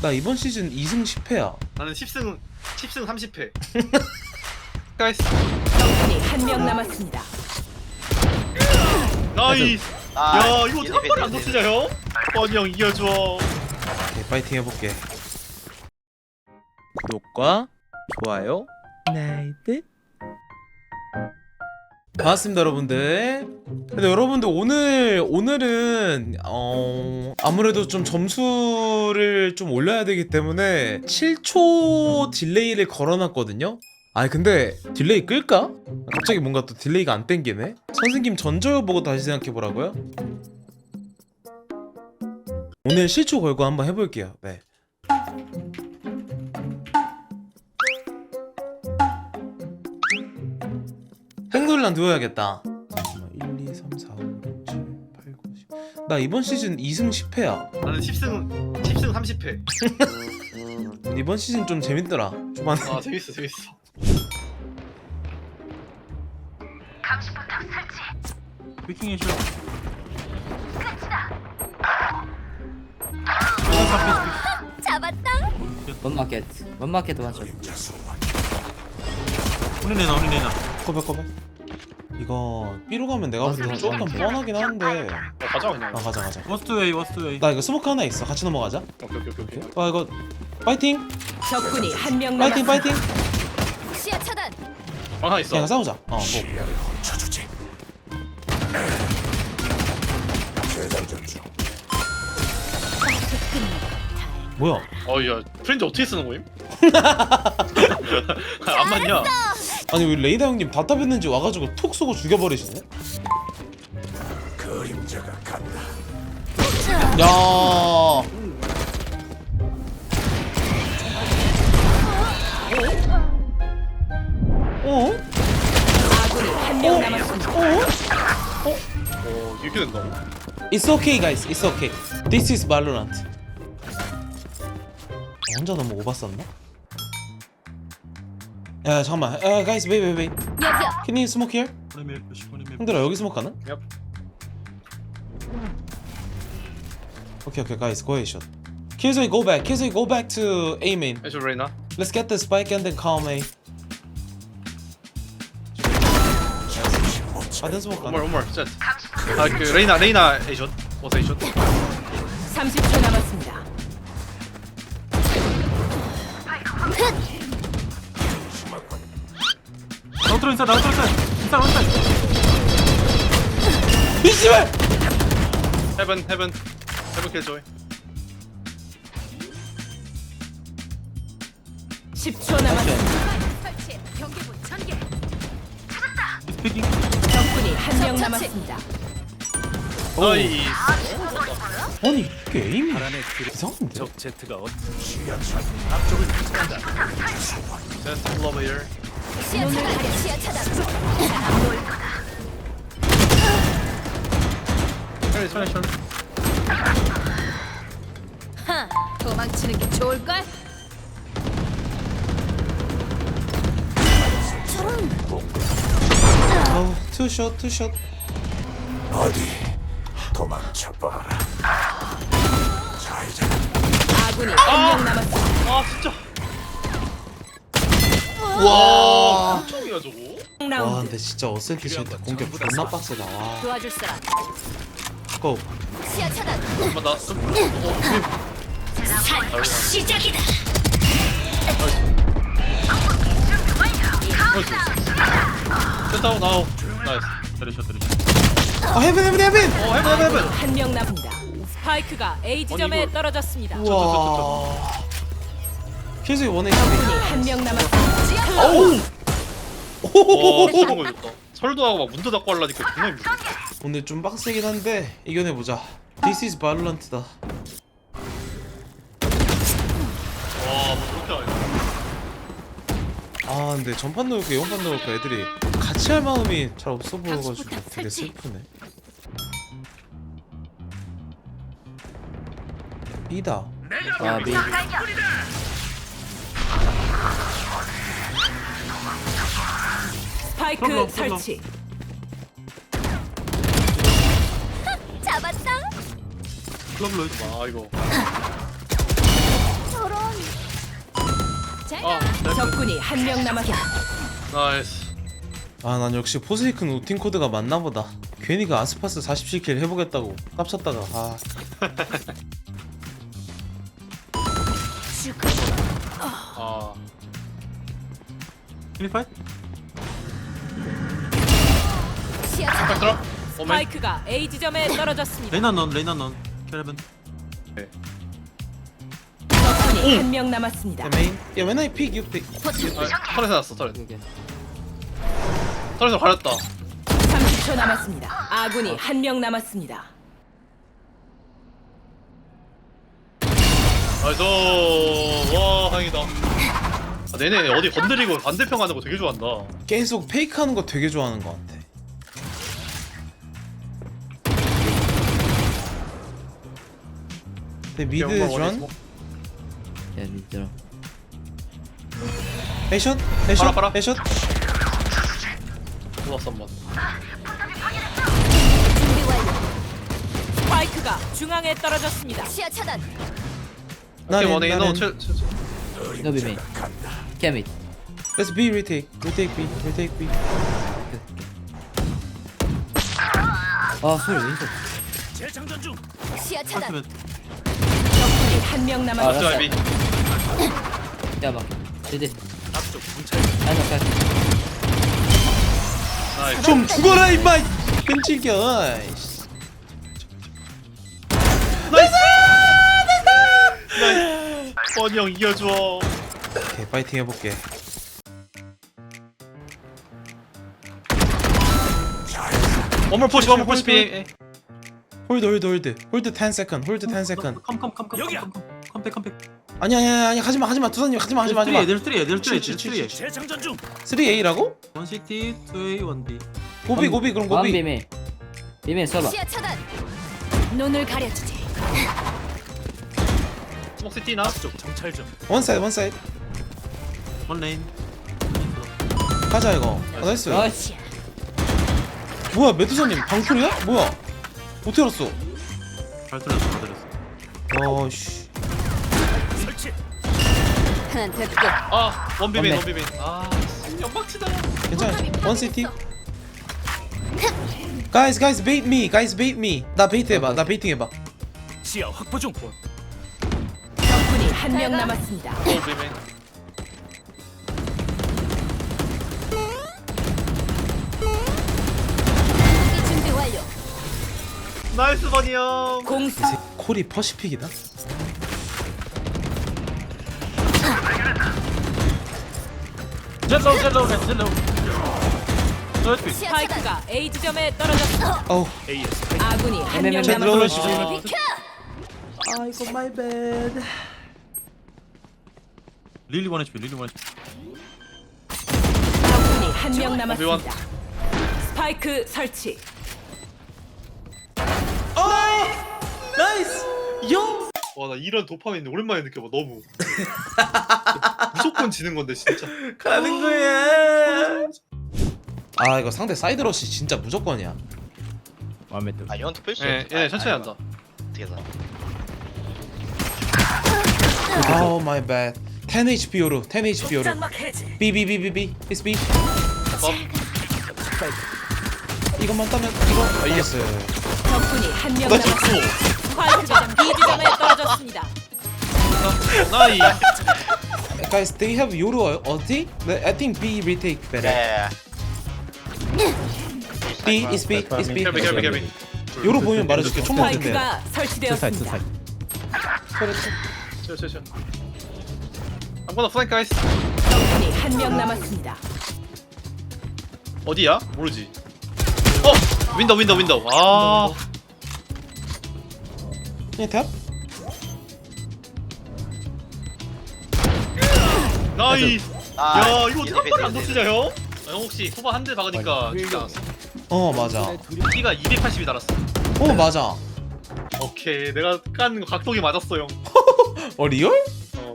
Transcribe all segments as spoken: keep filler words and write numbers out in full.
나 이번 시즌 이승 십패야. 나는 십승 십승 삼십패. 가이스. 적군이 한 명 남았습니다. 나이스. 아, 야 이거 어떻게 한 번에 안 놓치냐 형? 뻔히 형 이겨줘. 오케이, 파이팅 해볼게. 구독과 좋아요, 나이트. 반갑습니다 여러분들. 근데 여러분들 오늘 오늘은 어 아무래도 좀 점수를 좀 올려야 되기 때문에 칠 초 딜레이를 걸어놨거든요. 아니 근데 딜레이 끌까? 갑자기 뭔가 또 딜레이가 안 땡기네. 선생님 전절 보고 다시 생각해보라고요? 오늘 실초 걸고 한번 해볼게요. 네. 행돌란 누워야겠다. 일, 이, 삼, 사, 오, 육, 칠, 팔, 구, 십. 나 이번 시즌 이승 십패야. 나는 십승 십승 삼십패. 이번 시즌 좀 재밌더라. 초반에. 아 재밌어 재밌어. 피킹 해줘. 잡았다. 원마켓 원마켓 완전 우리 내놔 우리 내놔. 커버 커버. 이거 B로 가면 내가 볼 때 조금 뻔하긴 한데. 야, 가자 그냥. 아 가자 가자. 워스트 웨이 워스트 웨이. 나 이거 스모크 하나 있어. 같이 넘어가자. 오케이 오케이 오케이. 오케이. 아 이거 파이팅. 적군이 한 명 파이팅 남았습니다. 파이팅. 시야 차단. 하나 있어. 그냥 싸우자. 어 뭐. 뭐야? 어야 프렌즈 어떻게 쓰는 거임? 안 맞냐? 아니 왜 레이더 형님 답답했는지 와가지고 톡 쏘고 죽여버리시네? 야. 어? 아군이 한 명 남았습니다. 어 이렇게 된다고? It's okay guys, it's okay. This is Valorant. 어, 혼자 너무 오바쌌나? 야 잠깐만. 야 guys, wait wait wait. 여기요. Can you smoke here? 오리밀 오리밀. 형들아 여기 스모크 하나? 얍. Okay okay guys, go ahead shot. Killzoy go back. Killzoy go back to A main. 해줘 레이나. Let's get the spike and then calm A. 받은 스모크 원몰 하나. 원몰 셋. 아그 레이나 레이나 에이션. 어서 에이션. 삼십 초 남았습니다. 아웃로 인사 아웃로 인사 인사 인사. 이씨발! 헤븐 헤븐 헤븐 킬 조이. 십 초 남았습니다. 피킹. 적군이 한 명 남았습니다. 나이스. 아니 이게 에임이 이상한데? 제트 러버 힐. 시야 차단. 시야 차단. 혈 혈, 혈. 하, 도망치는 게 좋을 걸. 어우 투샷 투샷. 아군이 한 명 남았습니다. 아 진짜. 와. 엄청이야 저거. 와 라운드. 근데 진짜 어센트 실때 공격 존나 빡세다. 와. 도와줄 사람. 고. 시야 차단. 잠깐만 나 좀. 어, 시작이다. 됐다 나오. 나이스. 때리셔 때리셔. 아 헤븐 헤븐 헤븐. 어 해븐 해븐 해븐. 한 명 남습니다. 스파이크가 A 지점에 이걸- 떨어졌습니다. 와. 킬조이 원에 적군이 한 명 남았습니다. 어우. 와 이런 거 좋다. 설도 하고 막 문도 닫고 하려니까 존나 힘들어. 오늘 좀 빡세긴 한데 이겨내보자. This is Valorant다. 와뭐 그렇게 하냐. 아 근데 전판 넣을까 영판 넣을까 애들이 같이 할 마음이 잘 없어 보여가지고 되게 슬프네. B다. 아 미. 스파이크 콜로, 콜로. 설치. 잡았다. 클럽로 와 이거. 아 적군이 한 명 남았다. 나이스. 아 난 역시 포세이큰 우팅 코드가 맞나 보다. 괜히 그 아스파스 사십칠 킬 해보겠다고 깝쳤다가 아 아 피니파이? 빨리 들어. 오멘. 스파이크가 A 지점에 떨어졌습니다. 레이나 넌 레이나 넌 캐레븐. 적군이 한 명 남았습니다. 메인 야 when I pick you pick 아, 털에서 났어 털에. 오케이. 털에서 가렸다. 삼십 초 남았습니다. 아군이 한 명 남았습니다. 나이스. 와 다행이다. 아, 내내 어디 건드리고 반대편 가는 거 되게 좋아한다. 계속 페이크하는 거 되게 좋아하는 것 같아. 근데 미드 오케이, 오케이, 전 오케이. 야 미들어. 에이션 에이션 봐라, 봐라. 에이션 좋았어 한번. 스파이크가 중앙에 떨어졌습니다. 시야 차단. 오케이 나는- 원에 너 나는- 칠. 칠- 칠. No be main. Cam it. Let's B retake retake B retake B. 아 소리 왜 이래? 시야 차단. 파트면 적군이 한 명 아, 남았습니다. 자 비. 야 막. 제대. 아니 까. 나이스. 좀 죽어라 임마 끈질겨. 아이씨. 뻔히 형 이겨줘. 오케이 파이팅 해볼게. 원몰 푸시 원몰 푸시 비. 홀드 홀드 홀드 홀드 ten second 홀드 ten second. 컴컴컴컴 여기야. 컴백 컴백. 아니야 아니야 아니야 하지마 하지마 두산님 하지마 하지마 하지마. 들 쓰리 들 쓰리 치, 들 치, 쓰리. 쓰리 A라고? 원 시티 투 에이 원 B. 고비 고비 그럼 원 고비. 비메. 비메 써봐. 시야 차단. 눈을 가려주지. 스모시티나. 원 사이드 원 사이드. 원 레인. 가자 이거. 아, 나이스. 나이스. 뭐야 메두사님 방풀이야? 뭐야? 어떻게 알았어? 잘 들렸어 잘 들렸어. 어씨. 하나 됐고. 아 원비빈 원맨. 원비빈. 아 연막치다. 괜찮아. 원 시티. Guys, guys, bait me. Guys, bait me. 나 베이트 해봐. 나 베이팅 해봐. 적군이 한 명 남았습니다. 원비빈. 준비 완료. 나이스 버니 형. 공수 콜이 퍼시픽이다. 젤로우 젤로우 렛 젤로우. 너스 시야 차단. 스파이크가 A 지점에 떨어졌습니다. 어우. 아군이 한 명 제 들어오시- 남았습니다. 비켜. 아이고 my bad. 릴리 원 에이치피 릴리 원 에이치피. 적군이 한 명 남았습니다. 스파이크 설치. 나이스. 요. 와 나 이런 도파민 오랜만에 느껴봐 너무. 무조건 지는 건데 진짜. 가는 거야. 아 이거 상대 사이드 러시 진짜 무조건이야. 아 이건 투표일 수 예, 예 천천히 한다. 어떻게 해서 Oh my bad. ten H P 요로. ten H P 요로. B B B B B. It's B. 이것만 따면 이거 이겼어요. 적군이 한 명 나 남았습니다. 졌어. 스파이크가 B 지점에 떨어졌습니다. 나이. Guys, they have 요로 ulti. But I think B retake better. 야야야 B is B is B. 결비 결비 결비. 요로 보면 말해줄게. 총 먹는데. 스파이크가 설치되었습니다. 치워 치워 치워. I'm gonna flank guys. 적군이 한 명 남았습니다. 어디야? 모르지. 어 윈도우 윈도우 윈도우. 아. 그냥 탑? 나이. 아, 야 이거 어떻게 한 이제 발을 안 이제 놓치냐 형? 아, 형 혹시 후반 한 대 박으니까 죽지 않았어? 어 맞아. 키가 이백팔십이 달았어. 어 맞아. 오케이 내가 깐 거 각도기 맞았어 형. 어 리얼? 어.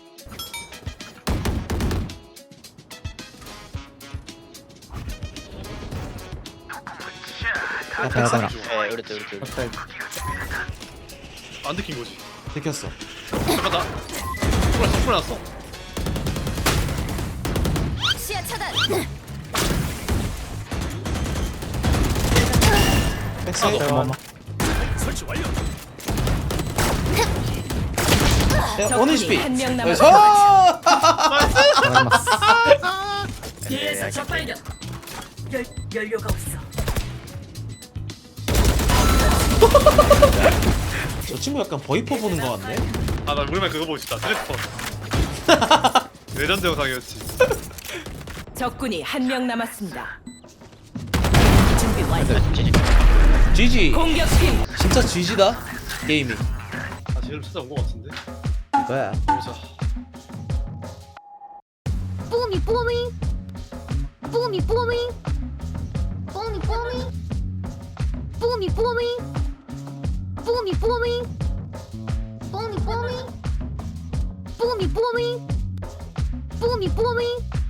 아 발사나. 예 우리 때 우리 때 안 느낀 거지. 들켰어. 잠깐만. 풀어 풀어 났어. 백사이드. 야, 원 에이치피. 한명 나이스. 남았습니다. 뒤에서 적발견. 열 연료가 없어. 저 친구 약간 버이퍼 보는 거 같네. 아나 우리만 그거 보고 싶다. 트래퍼. 레전드 영상이었지. 적군이 한 명 남았습니다. 준비 완료. 지지. 공격팀 진짜 지지다. 게임이. 아 제일 찾아온 거 같은데. 뭐야? 보자. 뽀미 뽀미 뽀미 뽀미 뽀미 뽀미 뽀미 뽀미 뽀미 뽀미 뽀미 뽀미 뽀미 뽀미 뽀미 뽀미